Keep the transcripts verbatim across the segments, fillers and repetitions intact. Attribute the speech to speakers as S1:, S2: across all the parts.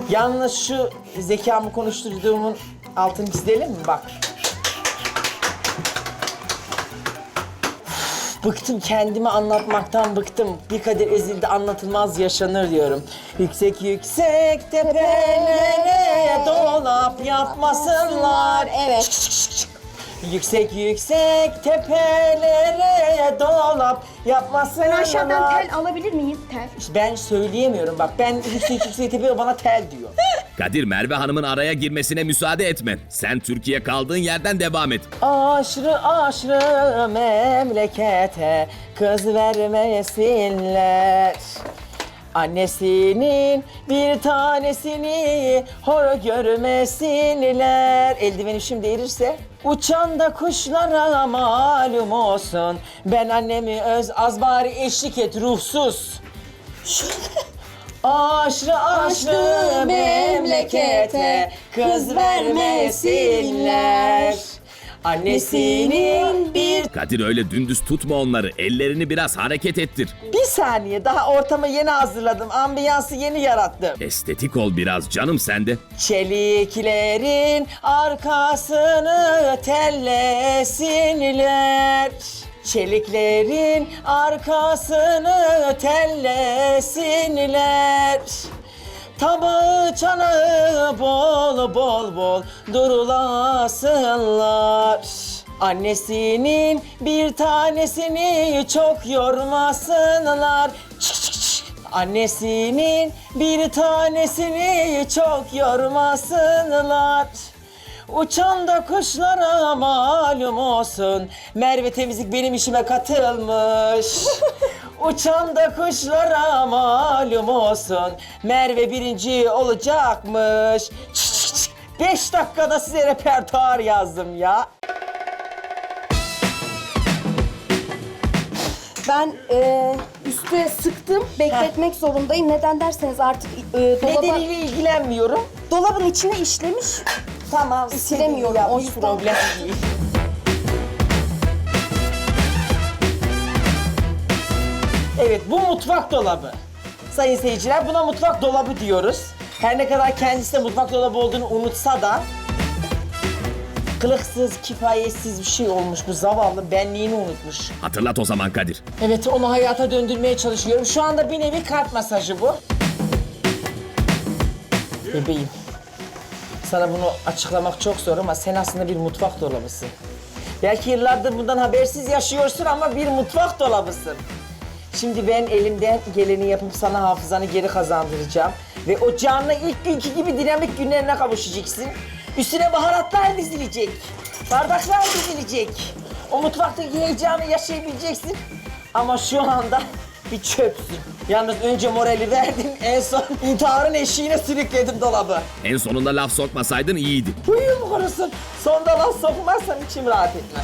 S1: Yalnız şu zekamı konuşturduğumun altını çizelim mi? Bak. Bıktım, kendimi anlatmaktan bıktım. Bir kader ezildi, anlatılmaz yaşanır diyorum. Yüksek yüksek tepelere dolap yapmasınlar.
S2: Evet.
S1: Yüksek yüksek tepelere dolap yapmasınlar.
S2: Ben aşağıdan tel alabilir miyim? Tel.
S1: Ben söyleyemiyorum bak. Ben yüksek yüksek tepelere bana tel diyor.
S3: Kadir, Merve Hanım'ın araya girmesine müsaade etme. Sen Türkiye kaldığın yerden devam et.
S1: Aşrı aşrı memlekete kız vermesinler. Annesinin bir tanesini hor görmesinler. Eldivenim şimdi erirse. Uçan da kuşlara malum olsun. Ben annemi öz az bari eşlik et ruhsuz. Aşrı aşrı memlekete kız vermesinler. Annesinin bir...
S3: Kadir, öyle dümdüz tutma onları. Ellerini biraz hareket ettir.
S1: Bir saniye, daha ortamı yeni hazırladım. Ambiyansı yeni yarattım.
S3: Estetik ol biraz canım sen de.
S1: Çeliklerin arkasını tellesinler. Çeliklerin arkasını tellesinler. Tabağı çanağı bol bol bol durulasınlar. Annesinin bir tanesini çok yormasınlar. Çık çık çık. Annesinin bir tanesini çok yormasınlar. Uçan da kuşlara malum olsun. Merve Temizlik benim işime katılmış. Uçan da kuşlara malum olsun. Merve birinci olacakmış. Çık çık çık. Beş dakikada size repertuar yazdım ya.
S2: Ben e, üstüne sıktım. Bekletmek zorundayım. Neden derseniz artık e, dolaba,
S1: Nedeniyle ilgilenmiyorum.
S2: dolabın içine işlemiş.
S1: Tamam,
S2: Silemiyorum,
S1: silemiyorum.
S2: o
S1: Hiç
S2: yüzden.
S1: problem değil. Evet, bu mutfak dolabı. Sayın seyirciler, buna mutfak dolabı diyoruz. Her ne kadar kendisi de mutfak dolabı olduğunu unutsa da kılıksız, kifayetsiz bir şey olmuş bu zavallı, benliğini unutmuş.
S3: Hatırlat o zaman Kadir.
S1: Evet, onu hayata döndürmeye çalışıyorum. Şu anda bir nevi kalp masajı bu. Bebeğim, sana bunu açıklamak çok zor ama sen aslında bir mutfak dolabısın. Belki yıllardır bundan habersiz yaşıyorsun ama bir mutfak dolabısın. Şimdi ben elimden geleni yapıp sana hafızanı geri kazandıracağım. Ve o canlı ilk günkü gibi dinamik günlerine kavuşacaksın. Üstüne baharatlar dizilecek. Bardaklar dizilecek. O mutfaktaki heyecanı yaşayabileceksin. Ama şu anda bir çöpsün. Yalnız önce morali verdim, en son intiharın eşiğine sürükledim dolabı.
S3: En sonunda laf sokmasaydın iyiydi.
S1: Huyum korusun. Sonda laf sokmazsam içim rahat etmez.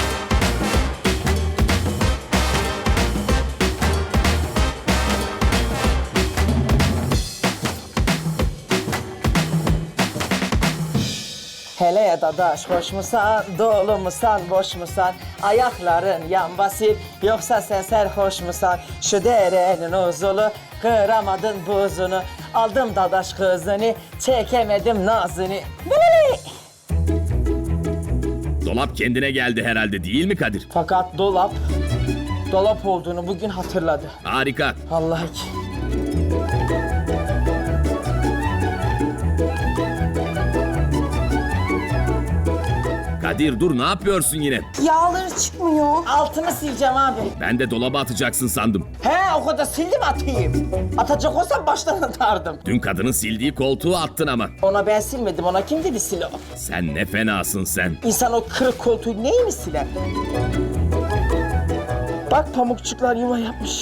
S1: Hele ya dadaş, hoş musan, dolu musan, boş musan? Ayakların yan basıp, yoksa sen serhoş musan? Şu derenin uzulu, kıramadın buzunu. Aldım dadaş kızını, çekemedim nazını. Böyle.
S3: Dolap kendine geldi herhalde, değil mi Kadir?
S1: Fakat dolap, dolap olduğunu bugün hatırladı.
S3: Harika.
S1: Vallahi ki.
S3: Kadir dur, ne yapıyorsun yine?
S2: Yağları çıkmıyor.
S1: Altını sileceğim abi.
S3: Ben de dolaba atacaksın sandım.
S1: He, o kadar sildim atayım. Atacak olsam baştan atardım.
S3: Dün kadının sildiği koltuğu attın ama.
S1: Ona ben silmedim, ona kim dedi sil o?
S3: Sen ne fenasın sen.
S1: İnsan o kırık koltuğu neyi mi siler? Bak pamukçuklar yuva yapmış.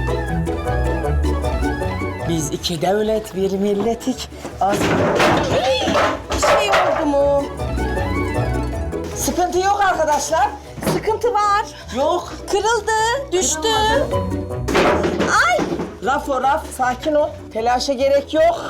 S1: Biz iki devlet bir milletik. Az...
S2: Bir şey oldu mu?
S1: Sıkıntı yok arkadaşlar.
S2: Sıkıntı var.
S1: Yok.
S2: Kırıldı, düştü. Ay!
S1: Raf o raf, sakin ol. Telaşa gerek yok.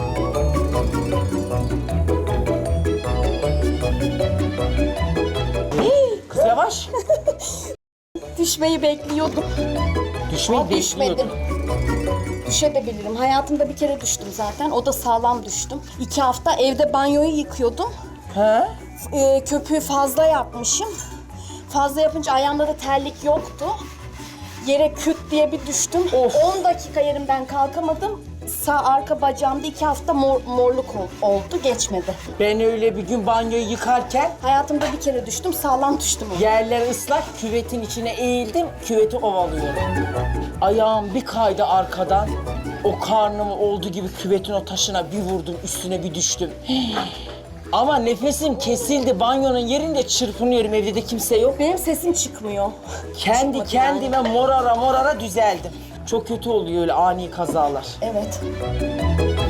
S1: Kız yavaş.
S2: Düşmeyi bekliyordum.
S1: Düşmeyi
S2: Ama düşmedim.
S1: bekliyordum.
S2: düşebilirim. Hayatımda bir kere düştüm zaten. O da sağlam düştüm. İki hafta evde banyoyu yıkıyordum.
S1: Ha?
S2: Ee, köpüğü fazla yapmışım. Fazla yapınca ayağımda da terlik yoktu. Yere küt diye bir düştüm.
S1: Of.
S2: on dakika yerimden kalkamadım. Sağ arka bacağımda iki hafta mor, morluk ol- oldu. Geçmedi.
S1: Ben öyle bir gün banyoyu yıkarken
S2: Hayatımda bir kere düştüm. Sağlam düştüm ama.
S1: yerler ıslak, küvetin içine eğildim, küveti ovalıyorum. Ayağım bir kaydı arkadan. O karnımı olduğu gibi küvetin o taşına bir vurdum, üstüne bir düştüm. Ama nefesim kesildi, banyonun yerinde çırpınıyorum, evde de kimse yok.
S2: Benim sesim çıkmıyor.
S1: Kendi
S2: Çıkmadı
S1: kendime morara morara düzeldim. Çok kötü oluyor öyle ani kazalar.
S2: Evet.